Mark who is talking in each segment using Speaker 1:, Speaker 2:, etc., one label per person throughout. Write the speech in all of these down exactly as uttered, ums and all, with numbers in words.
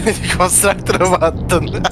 Speaker 1: Konstruktöre mi attın?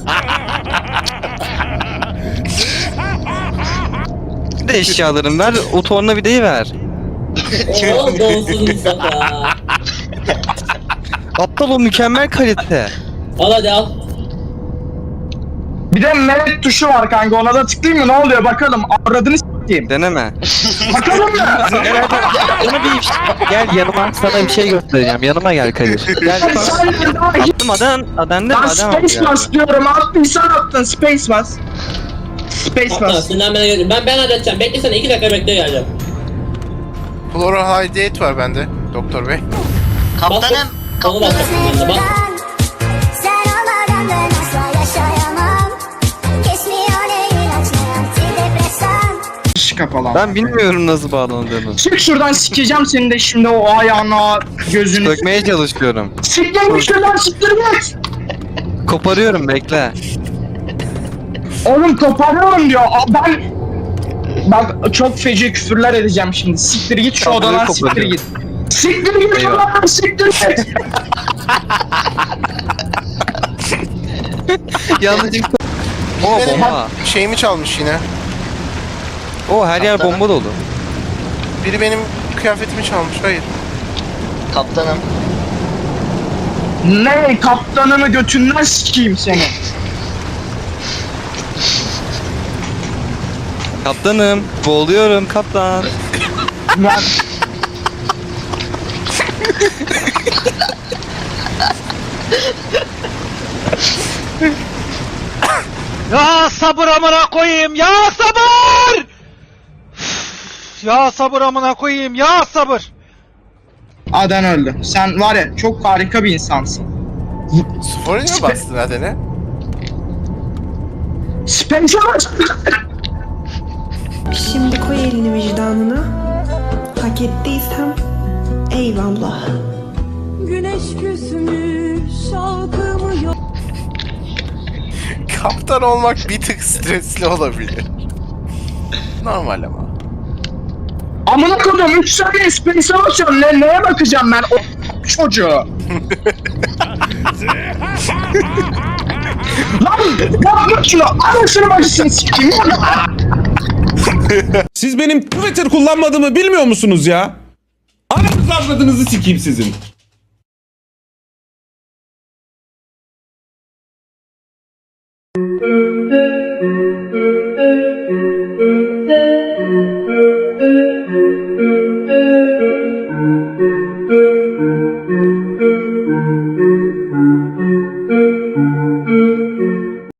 Speaker 2: Bir de eşyalarım ver, o tornavidayı ver.
Speaker 3: Oo donsuz Mustafa.
Speaker 2: Aptal, o mükemmel kalite.
Speaker 3: Al hadi al.
Speaker 4: Bir de melek tuşu var kanka, ona da tıklayayım mı, ne oluyor bakalım, avradını s**eyim.
Speaker 2: Deneme.
Speaker 4: Bakalım mı?
Speaker 2: Bana bir gel yanıma, sana bir şey göstereceğim. Yanıma gel Kadir. Gel.
Speaker 4: Sen daha hiç...
Speaker 2: Attım adan, adan ne?
Speaker 4: Lan
Speaker 2: Adan
Speaker 4: space bas diyorum, attıysan attın, space bas. Space
Speaker 3: Tamam
Speaker 4: bas.
Speaker 3: sinirlenmene gerek yok. Ben ben halledeceğim. Beklesene iki dakika bekle geleceğim.
Speaker 1: Chlorohydrate var bende doktor bey.
Speaker 5: Kaptanım.
Speaker 3: Onu basacaksın ben de bak.
Speaker 6: Sen olmadan ben asla yaşayamam. Kesmiyor ne ilaç ne antidepresan.
Speaker 4: Şş kapalı.
Speaker 2: Ben bilmiyorum nasıl bağlandığını.
Speaker 4: Çık şuradan, sikeceğim seni de şimdi, o ayağına, gözünü.
Speaker 2: Sökmeye çalışıyorum.
Speaker 4: Siktir şuradan, siktir git.
Speaker 2: Koparıyorum, bekle.
Speaker 4: Oğlum koparıyorum diyor. Aa, ben... Bak çok feci küfürler edeceğim şimdi. Siktir git şu
Speaker 2: Kapıyı
Speaker 4: odadan, siktir
Speaker 2: koparıyorum.
Speaker 4: git. Siktir git
Speaker 2: Eyvah.
Speaker 4: odadan, siktir git.
Speaker 2: Yanlışlıkla. O
Speaker 1: Benim
Speaker 2: bomba.
Speaker 1: şeyimi çalmış yine.
Speaker 2: O her yer bomba dolu.
Speaker 1: Biri benim kıyafetimi çalmış. Hayır.
Speaker 5: Kaptanım.
Speaker 4: Ne kaptanını götünden sikeyim seni.
Speaker 2: Kaptanım, boğuluyorum kaptan.
Speaker 4: Ben...
Speaker 7: Ya sabır amına koyayım, ya sabır! Üf, ya sabır amına koyayım, ya sabır!
Speaker 4: Aden öldü. Sen var ya çok harika bir insansın.
Speaker 1: Spor'a niye bastın Aden'e?
Speaker 4: Spencer
Speaker 8: Şimdi koy elini vicdanına. Hak ettiysem eyvallah.
Speaker 6: Güneş küsmüş şalkımı yok.
Speaker 1: Kaptan olmak bir tık stresli olabilir. Normal ama.
Speaker 4: Amına koydum üç saniye Spencer'a basıyorum. Ne, neye bakacağım ben o çocuğu? Lan yapma şunu. Anasını bacısını sikeyim.
Speaker 9: Siz benim Twitter kullanmadığımı bilmiyor musunuz ya? Ananızı avradınızı sikeyim sizin.